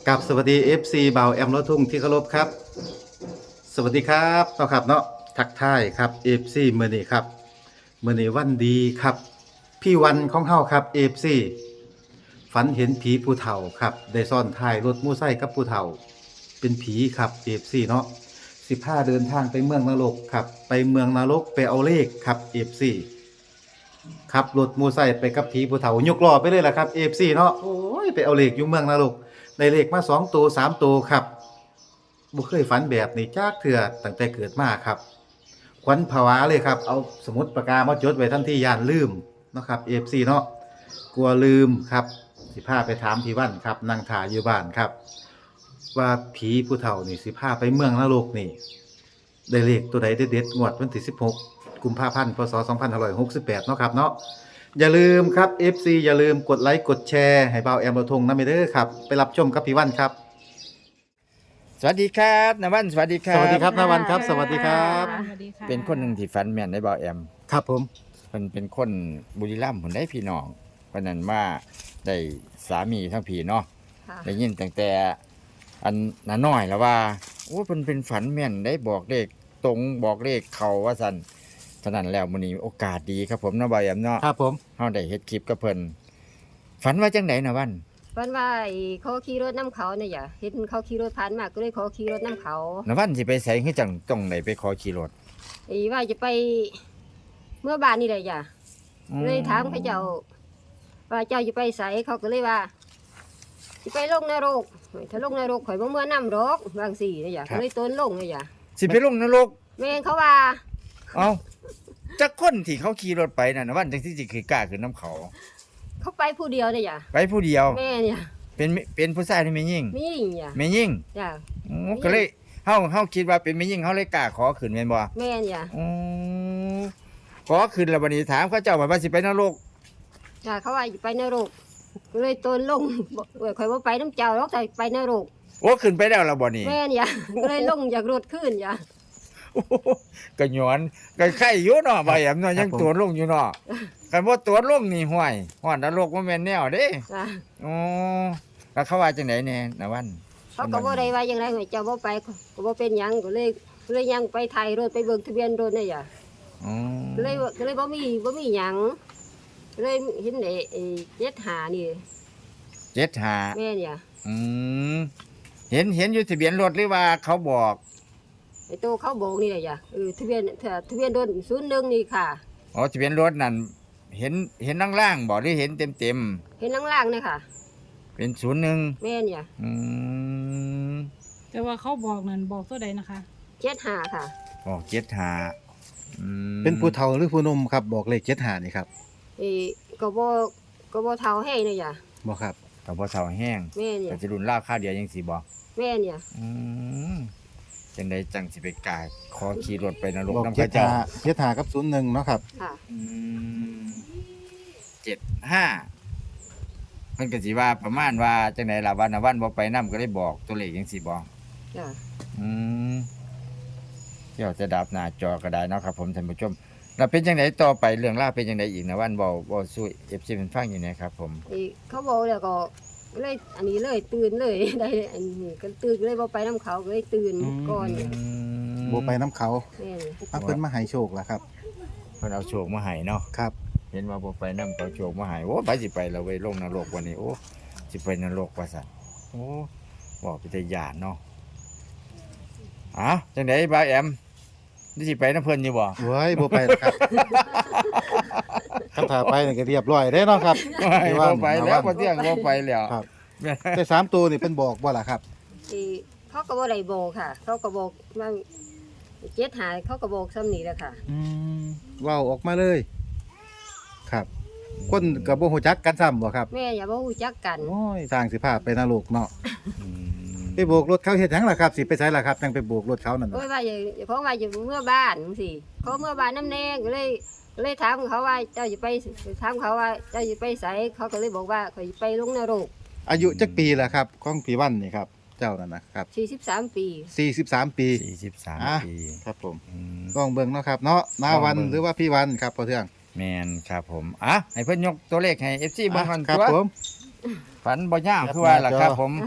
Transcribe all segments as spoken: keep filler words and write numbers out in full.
กับสวัสดี เอฟ ซี บ่าวแอมรถทุ่งที่เคารพครับสวัสดีครับเนาะครับเนาะทักทายครับ เอฟ ซี มื้อนี้ครับมื้อนี้วันดีครับพี่วันของเฮาครับ เอฟ ซี ฝันเห็นผีผู้เฒ่าครับได้ซ่อนท้ายรถมอไซค์กับผู้เฒ่าเป็นผีครับ เอฟ ซี เนาะสิพาเดินทางไปเมืองนรกครับไปเมืองนรกไปเอาเลขครับ เอฟ ซี ขับรถมอไซค์ไปกับผีผู้เฒ่ายกล้อไปเลยล่ะครับ เอ เอฟ ซี เนาะโอ้ยไปเอาเลขอยู่เมืองนรกได้เลขมาสองตัวสามตัวครับบ่เคยฝันแบบนี้จักเทื่อตั้งแต่เกิดมาครับขวัญผวาเลยครับเอาสมุดปากกามาจดไว้ทันทีย่านลืมเนาะครับ เอ เอฟ ซี เนาะกลัวลืมครับสิพาไปถามพี่วันครับนั่งถ่ายอยู่บ้านครับว่าผีผู้เฒ่านี่สิพาไปเมืองนรกนี่ได้เลขตัวใดเด็ดๆงวดวันที่สิบหกกุมภาพันธ์พศสองพันห้าร้อยหกสิบแปดเนาะครับเนาะอย่าลืมครับ เอฟ ซี อย่าลืมกดไลค์กดแชร์ให้เบาแอมเราทงนะเมเด้อครับไปรับชมกับพี่วันครับสวัสดีครับนวันสวัสดีครัสบวัสดีครับณวันครับสวัสดีครับสวัสดีค่ะเป็นคนหนึ่งที่ฝันแม่นได้บ่าวแอมครับผมเพิ่นเป็นคนบุรีรัมย์ผมได้พี่น้องเพราะนั้นว่าได้สามีทั้งพี่เนาะค่ะได้ยินตั้งแต่อันน้าน้อยแล้วว่าโอ้เพิ่นเป็นฝันแม่นได้บอกเลขตรงบอกเลขเขาว่าซั่นฉะนั้นแล้วมื้อนี้โอกาสดีครับผมเนาะบ่าวแอมเนาะครับผมเฮาได้เฮ็ดคลิปกับเพิ่นฝันว่าจังไดนะวันเพิ่นว่าไอ้เขาขี่รถน้ำเขาเนี่ยอย่าเห็นเขาขี่รถผ่านมาก็เลยขอขี่รถน้ำเขานะวันสิไปไสคือจังต้องได้ไปขอขี่รถไอ้ว่าจะไปเมื่อบ้านนี่เลยอย่าอืมเลยถามเขาเจ้าว่าเจ้าจะไปไสเขาก็เลยว่าจะไปลงนรกถ้าลงนรกข่อยบ่เมื่อน้ำรกบางสี่เนี่ยอย่าก็เลยต้นลงเนี่ยอย่าสิไปลงนรกแม่นเขาว่าเอาจักคนที่เขาขี่รถไปน่ะนะวันจังที่สิคือกล้าขึ้นน้ำเขาเขาไปผู้เดียวเนี่ยอย่าไปผู้เดียวแม่เนี่ยเป็นเป็นผู้ชายที่ไม่ยิ่งมีหญิงอย่าไม่ยิ่งอย่าอ๋อก็เลยเฮาเฮาคิดว่าเป็นไม่ยิ่งเฮาเลยกล้าขอขึ้นแม่นบ่แม่นอย่าอ๋อขอขึ้นแล้วบัดนี้ถามเขาเจ้าว่าสิไปนรกอย่าเขาว่าจะไปนรกก็เลยต้นลงบอกเอ้ยข่อยบ่ไปน้ำเจ้าหรอกแต่ไปนรกโอ้ขึ้นไปแล้วล่ะบ่นี่แม่นอย่า ก็เลยลงจากรถขึ้นอย่าโอ้โหก็หยอนก็ไข่อยู่เนาะบ่แอมเนาะยังตัวลงอยู่เนาะคันบ่ตัวลงนี่ห้วยฮ้อนนรกบ่แม่นแนวเด้จ้ะอ๋อแล้วเขาว่าจังไดแน่นะวันเขาก็บ่ได้ว่าอย่างไรเจ้าบ่ไปก็บ่เป็นหยังก็เลยก็เลยยังไปถ่ายรถไปเบิ่งทะเบียนรถนี่อย่าอ๋อก็เลยก็เลยบ่มีบ่มีหยังก็เลยเห็นไอ้ไอ้เจ็ดหานี่เจ็ดห้าแม่นอย่าอืมเห็นเห็นอยู่ทะเบียนรถหรือว่าเขาบอกไอ้โตเขาโบกนี่แหละอย่าเออทะเบียนทะเบียนรถศูนย์หนึ่งนี่ค่ะอ๋อทะเบียนรถนั่นเห็นเห็นล่างๆบอกหรือเห็นเต็มเต็มเห็นล่างๆนี่ค่ะๆเป็นศูนย์หนึ่งแม่นอย่าอืมแต่ว่าเขาบอกนั่นบอกตัวใดนะคะเจ็ดหาค่ะบอกเจ็ดหาอืมเป็นผู้เฒ่าหรือผู้หนุ่มครับบอกเลขเจ็ดหานี่ครับไอ้ก็บ่ก็บ่เท่าให้นี่อย่าบอกครับกับพ่อเสาแห้งแม่นอย่าแต่จะรุนล่าค่าเดียวยังสีบอกแม่นอย่าอืมจังใดจังสิไปกายขอขี่รถไปนรกบอกน้ำเจ็พดระเจ้าหาเจ็ดหากับศูนย์หนึ่งเนาะครับค่ะอืมเจ็ดห้าเพิ่นก็สิว่าประมาณว่าจังไดล่ะวันน่ะวันบ่ไปนํก็ได้บอกตัวเลขยังสิบอกจ้ะอืมเดี๋ยวจะดับหน้าจอก็ได้เนาะครับผมท่านผู้ชมแล้วเป็นจังไดต่อไปเรื่องราวเป็นจังไดอีกนะวันเว้าเว้าสู้ เอฟ ซี เพิ่นฟังอยู่นะครับผมไอ้เขาบอกแล้วก็เลยอันนี้เลยตื่นเลย ได้อันนี้ก็ตื่นเลยบ่ไปน้ำเขาก็เลยตื่นอืมก่อนอืเนี่ยมโบไปน้ำเขาแม่นเอาเพิ่นมาให้โชคแล้วครับเพิ่นเอาโชคมาให้เนาะครับเห็นว่าบ่ไปนำเอาโชคมาให้โอ้ไปสิไปแล้วเว้ยลงนรกวันนี้โอ้สิไปนรกว่าซั่นโอ้บอกเป็นตาย่านเนาะอ้าวจังไดบ่าวแอมนี่สิไปนำเพิ่นอยู่บ่เว้ยโบไปแล้วครับคำถามไปนี่ก็เรียบร้อยได้เนาะครับไม่บ่ไปแล้วบ่เที่ยงบ่ไปแล้วครับ แต่สามตัวนี่เป็นบอกบ่ล่ะครับไอ้เขาก็บ่ได้โบกค่ะ เขาก็บอกว่าเจ็ดหาเขาก็บอกซ้ำนี่แหละค่ะอืมเว้าออกมาเลย ครับ คนกับบ่ฮู้จักกันซ้ำบ่ครับแม่อย่าบ่ฮู้จักกันโอ้ยสร้างสิพาไปนรกเนาะอืมไปโบกรถเขาเฮ็ดหยังล่ะครับ สิไปไสล่ะครับจังไปโบกรถเขานั่นโอ้ยน่ะว่าอย่าเพราะว่าอยู่เมื่อบ้านจังซี่เขาเมื่อบ้านน้ำแน่ก็เลยก็เลยถามเขาว่าเจ้าจะไปถามเขาว่าเจ้าจะไปไสเขาก็เลยบอกว่าเขาจะไปลงนรกอายุจักปีล่ะครับของพี่วันนี่ครับ เจ้านั่นนะครับสี่สิบสามปีสี่สิบสามปีสี่สิบสามอ่ะปีครับผมอืมลองเบิ่งเนาะครับ เนาะนาวันลองเบิ่งหรือว่าพี่วันครับพ่อเทืองแมนครับผมอ่ะให้เพิ่นยกตัวเลขให้ เอฟ ซี เบิ่งก่อนครับตัวผมฝันบ่ยาวคือว่าล่ะครับผม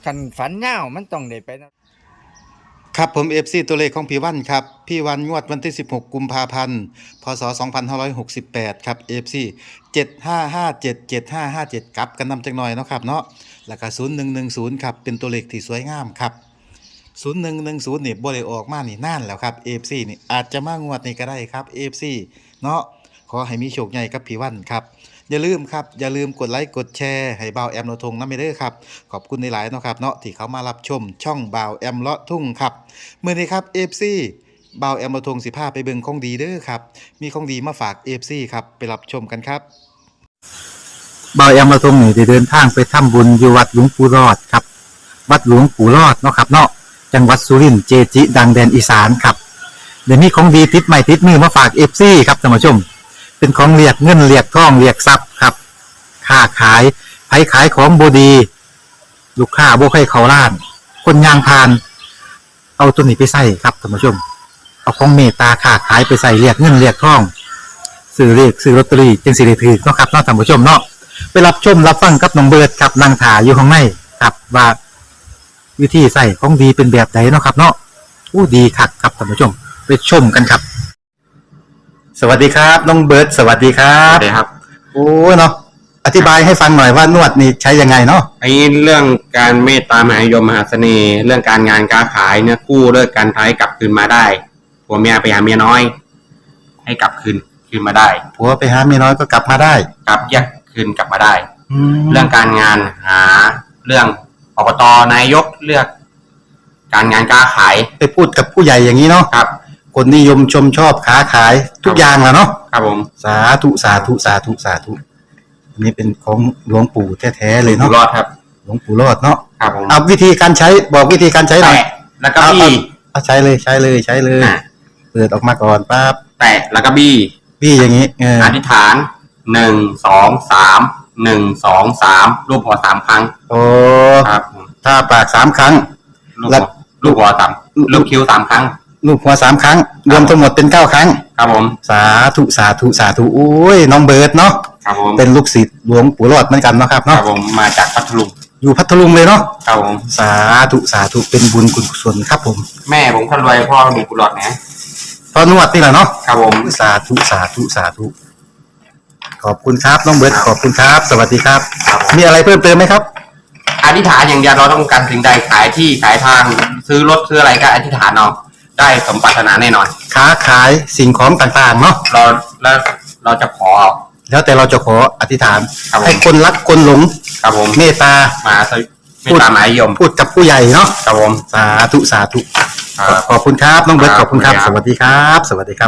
คันฝันยาวมันต้องได้ไปนำครับผม เอฟ ซี ตัวเลขของพี่วันครับพี่วันงวดวันที่สิบหกกุมภาพันธ์พศสองพันห้าร้อยหกสิบแปดครับ เอฟ ซี เจ็ด ห้า ห้า เจ็ด เจ็ด ห้า ห้า เจ็ดกลับกันนำจักหน่อยเนาะครับเนาะแล้วก็ศูนย์หนึ่งหนึ่งศูนย์ครับเป็นตัวเลขที่สวยงามครับศูนย์หนึ่งหนึ่งศูนย์นี่บ่ได้ออกมานี่นานแล้วครับ เอฟ ซี นี่อาจจะมางวดนี้ก็ได้ครับ เอฟ ซี เนาะขอให้มีโชคใหญ่กับพี่วันครับอย่าลืมครับอย่าลืมกดไลค์กดแชร์ให้บ่าวแอมโนทงนำไปเด้อครับขอบคุณหลายๆเนาะครับเนาะที่เขามารับชมช่องบ่าวแอมเลาะทุ่งครับมื้อนี้ครับ เอฟ ซี บ่าวแอมโนทงสิพาไปเบิ่งของดีเด้อครับมีของดีมาฝาก เอฟ ซี ครับไปรับชมกันครับบ่าวแอมโนทงนี่ได้เดินทางไปทำบุญอยู่วัดหลวงปู่รอดครับวัดหลวงปู่รอดเนาะครับเนาะจังหวัดสุรินทร์เจจิดังแดนอีสานครับเดี๋ยวนี้ของดีติดใหม่ติดมือมาฝาก เอฟ ซี ครับท่านผู้ชมเป็นของเรียกเงินเรียกทองเรียกทรัพย์ครับค้าขายไผขายของบดี ลูกค้าบ่ให้เขาล้าน คนยางพาน เอาตัวนี้ไปใส่ครับท่านผู้ชม เอาของเมตตาค้าขายไปใส่เรียกเงินเรียกทองซื้อเรียกซื้อลอตเตอรี่จึงสิได้ถือเนาะครับเนาะท่านผู้ชมเนาะไปรับชมรับฟังกับน้องเบิร์ดครับนางถาอยู่ข้างในครับว่าวิธีใส่ของดีเป็นแบบไหนเนาะครับ เนาะอู้ดีคักครับท่านผู้ชมไปชมกันครับ สวัสดีครับน้องเบิร์ดสวัสดีครัครับ บเลยครับโอ้เนาะอธิบายให้ฟังหน่อยว่านวดนี่ใช้ยังไงเนาะไอ้เรื่องการเมตตามหานิยมมหาเสน่ห์ เรื่องการงานการขายเนี่ยกู้เลิกการท้ายกลับคืนมาได้ผัวเมียไปหาเมียน้อย ให้กลับคืนคืนมาได้ผัวไปหาเมียน้อยก็กลับมาได้กลับแยกคืนกลับมาได้แล้เรื่วองการงานหาเรื่องอบตนายกเลือก การงานการขายไปพูดกับผู้ใหญ่อย่างนี้เนาะครับคนนิยมชมชอบค้าขายทุกอย่างแหละเนาะครับผมสาธุสาธุสาธุสาธุอันนี้เป็นของหลวงปู่แท้ๆเลยอยู่เนาะรอดครับหลวงปู่รอดเนาะครับผมเอาวิธีการใช้บอกวิธีการใช้หน่อยแตะแล้วก็บี้เอาใช้เลยใช้เลยใช้เลยอ่ะเปิดออกมาก่อนปั๊บแตะแล้วก็บี้พี่อย่างนี้เอออธิษฐานหนึ่งสองสามหนึ่งสองสามรูปหัวสามครั้งโอ้ครับผมถ้าปากสามครั้งลูกแล้หัววลูกหัวสามลูกคิ้วสามครั้งลูกหัวสามครั้ง รวมทั้งหมดเป็นเก้าครั้งครับผมสาธุสาธุสาธุโอ้ยน้องเบิร์ดเนาะครับผมเป็นลูกศิษย์หลวงปู่รอดเหมือนกันเนาะครับครัเนาะบผมมาจากพัทลุงอยู่พัทลุงเลยเนาะครับผมสาธุสาธุเป็นบุญกุศลครับผมแม่ผมคนรวยพ่อมีกุหลาบนะพอนวดนี่แหละเนาะครับผมสาธุสาธุสาธุขอบคุณครับน้องเบิร์ดขอบคุณครับ สวัสดีครับครับผมมีอะไรเพิ่มเติมไหมครับอธิษฐานอย่างเดียวเราต้องการสิ่งใดขายที่ขายทางซื้อรถซื้ออะไรก็อธิษฐานเอาได้สมปรารถนาแน่นอนค้าขายสิ่งของต่างๆเนาะเราแล้วเราจะขอแล้วแต่เราจะขออธิษฐานครับผมให้คนรักคนหลงครับผมเมตตามาสวิไม่ตามหมายยมพูดกับผู้ใหญ่เนาะครับผมสาธุสาธุครับขอบคุณครับน้องเบิร์ตคขรับอบคุณครับขอบสคุณครับวัสดีครับ สวัสดีครับ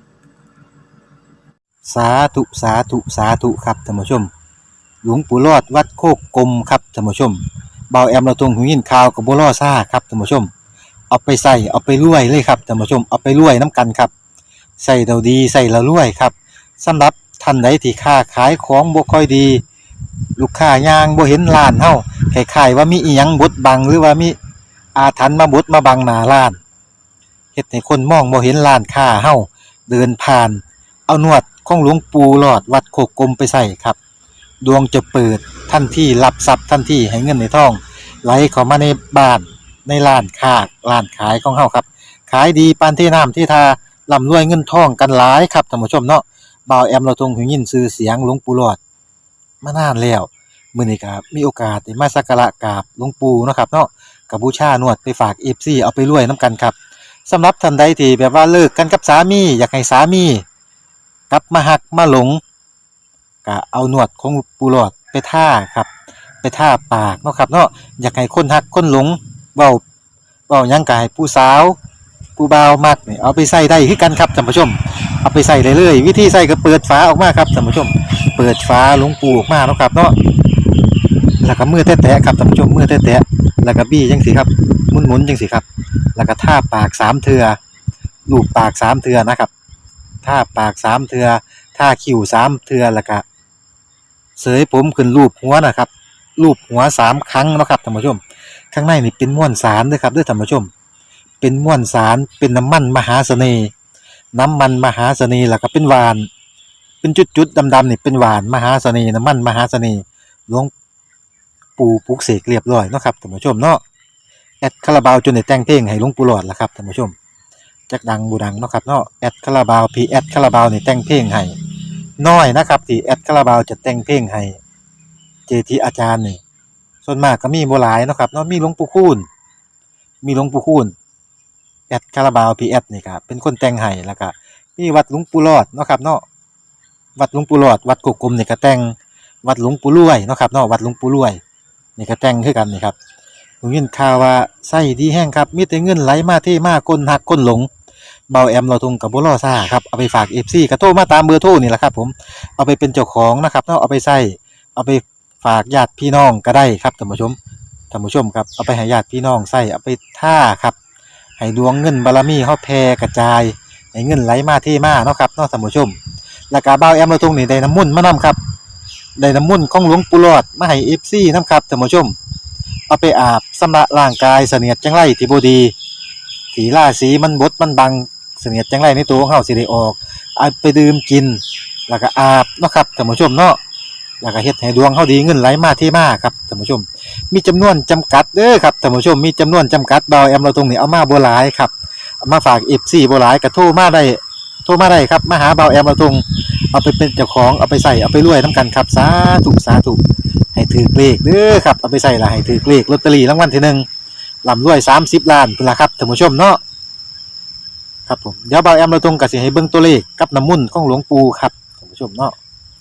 สาธุสาธุสาธุครับท่านผู้ชม หลวงปู่รอดวัดโคกกลมครับท่านผู้ชมเบาแอมเราตรงหูยินข่าวกับบัวล่อซ่าครับท่านผู้ชม เอาไปใส่เอาไปรวยเลยครับท่านผู้ชมเอาไปรวยน้ำกันครับใส่เราดีใส่เรารวยครับสำหรับท่านใดที่ค้าขายของบ่ค่อยดี ลูกค้ายางบ่เห็นร้านเฮาคล้ายๆว่ามีอีหยังบดบังหรือว่ามีอาถรรพ์มาบดมาบังหน้าร้านเฮ็ดให้คนมองบ่เห็นร้านค้าเฮาเดินผ่าน เอานวดของหลวงปู่หลอดวัดโคกกลมไปใส่ครับ ดวงจะเปิดทันทีรับทรัพย์ทันทีให้เงินในท้องไหลเข้ามาในบ้านในร้านค้าร้านขายของเฮาครับขายดีปานที่น้ำที่ทาร่ำรวยเงินทองกันหลายครับท่านผู้ชมเนาะบ่าวแอมเราทรงหูยินชื่อเสียงหลวงปู่หลอดมานานแล้วมื้อนี้ก็มีโอกาสได้มาสักการะกราบหลวงปู่เนาะครับเนาะก็บูชานวดไปฝาก เอฟ ซี เอาไปรวยนํกันครับสำหรับท่านใดที่แบบว่าเลิกกันกับสามีอยากให้สามีกลับมาหักมาหลงก็เอานวดของปู่หลอดไปท่าครับไปท่าปากเนาะครับเนาะอยากให้คนหักคนหลงเว้าเว้าหยังก็ให้ผู้สาวผู้บ่าวมักนี่เอาไปใส่ได้คือกันครับท่านผู้ชมเอาไปใส่ได้เลยวิธีใส่ก็เปิดฝาออกมาครับท่านผู้ชมเปิดฝาหลวงปู่ออกมาเนาะครับเนาะแล้วก็มือแตะๆครับท่านผู้ชมมือแตะๆแล้วก็บี้จังซี่ครับหมุนๆจังซี่ครับแล้วก็ท่าปากสามเทื่อลูบปากสามเทื่อนะครับท่าปากสามเทื่อท่าคิ้วสามเทื่อแล้วก็เสยผมขึ้นรูปหัวนะครับรูปหัวสามครั้งเนาะครับท่านผู้ชมข้างในนี่เป็นม้วนสารเด้อครับเด้อท่านผู้ชมเป็นม้วนสารเป็นน้ำมันมหาเสน่ห์น้ำมันมหาเสน่ห์แล้วก็เป็นหวานเป็นจุดๆดำๆนี่เป็นหวานมหาเสน่ห์น้ำมันมหาเสน่ห์หลวงปู่ปลุกเสกเรียบร้อยเนาะครับท่านผู้ชมเนาะแอดคาราบาวจนได้แต่งเพลงให้หลวงปู่หลอดแล้วครับท่านผู้ชมจักดังบูดังเนาะครับเนาะแอดคาราบาวพีแอดคาราบาวนี่แต่งเพลงให้น้อยนะครับที่แอดคาราบาวจะแต่งเพลงให้เจทีอาจารย์นี่ส่วนมากก็มีบ่หลายเนาะครับเนาะมีหลวงปู่คูณมีหลวงปู่คูณแอดคาราบาวพีแอดนี่ครับเป็นคนแต่งให้แล้วก็มีวัดหลวงปู่หลอดเนาะครับเนาะวัดหลวงปู่หลอดวัดกกกลมนี่ก็แต่งวัดหลวงปู่รวยเนาะครับเนาะวัดหลวงปู่รวยนี่ก็แต่งคือกันนี่ครับผมยินข่าวว่าไส้ดีแห้งครับมีแต่เงินไหลมาเทมาคนหักคนหลงเบาแอมเราทงกับบ่รอซ่าครับเอาไปฝาก เอฟ ซี ก็โทรมาตามเบอร์โทรนี่แหละครับผมเอาไปเป็นเจ้าของนะครับเนาะเอาไปใส่เอาไปฝากญาติพี่น้องก็ได้ครับท่านผู้ชมท่านผู้ชมครับเอาไปให้ญาติพี่น้องใส่เอาไปท่าครับให้ดวงเงินบารมีเฮาแผ่กระจายให้เงินไหลมาเทมาเนาะครับเนาะท่านผู้ชมแล้วก็เบาแอมเราทงนี่ได้น้ำมุ่นต์มานํครับได้น้ำมุ่นต์ของหลวงปู่หลอดมาให้ เอฟ ซี นํครับท่านผู้ชมเอาไปอาบชำระร่างกายเสนียดจังไรที่บ่ดีที่ราศีมันบดมันบังเสนียดจังไรในตัวของเฮาสิได้ออกเอาไปดื่มกินแล้วก็อาบเนาะครับท่านผู้ชมเนาะแล้วก็เฮ็ดให้ดวงเฮาดีเงินไหลมาเทมาครับท่านผู้ชมมีจำนวนจำกัดเด้อครับท่านผู้ชมมีจำนวนจำกัดเบาแอมเราตรงนี้เอามาบ่หลายครับเอามาฝาก เอฟ ซี บ่หลายก็โทรมาได้โทรมาได้ครับมาหาเบาแอมเราตรงเอาไปเป็นเจ้าของเอาไปใส่เอาไปรวยนํกันครับสาธุสาธุให้ถือเลขเด้อครับเอาไปใส่ละให้ถือเลขลอตเตอรี่รางวัลที่หนึ่งร่ำรวยสามสิบล้านพุ่นล่ะครับท่านผู้ชมเนาะครับผมเดี๋ยวเบาแอมเราตรงก็สิให้เบิ่งตัวเลขกับน้ำมุ่นต์ของหลวงปู่ครับท่านผู้ชมเนาะ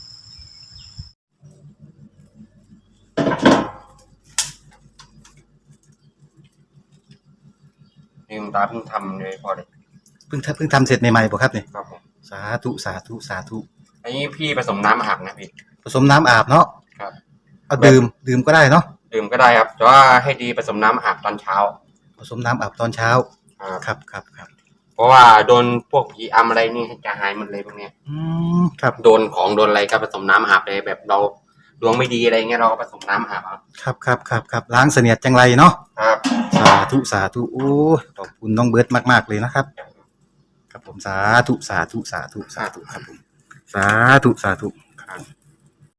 ลืมตาเพิ่งทำเลยพอเลยเพิ่งทำเพิ่งทำเสร็จใหม่ๆบ่ครับเนี่ยครับผมสาธุสาธุสาธุอันนี้พี่ผสมน้ำอาบนะพี่ผสมน้ำอาบเนาะครับเอาดื่มดื่มก็ได้เนาะดื่มก็ได้ครับแต่ว่าให้ดีผสมน้ำอาบตอนเช้าผสมน้ำอาบตอนเช้าครับครับครับครับเพราะว่าโดนพวกผีอำอะไรนี่จะหายหมดเลยพวกเนี้ยอืมครับโดนของโดนอะไรก็ผสมน้ำอาบเลยแบบเราดวงไม่ดีอะไรเงี้ยเราก็ผสมน้ำอาบเอาครับครับครับครับล้างเสนียดจังไรเนาะครับสาธุสาธุโอ้ยขอบคุณน้องเบิร์ตมากๆเลยนะครับ ครับผมสาธุสาธุสาธุสาธุครับผมสาธุสาธุครับ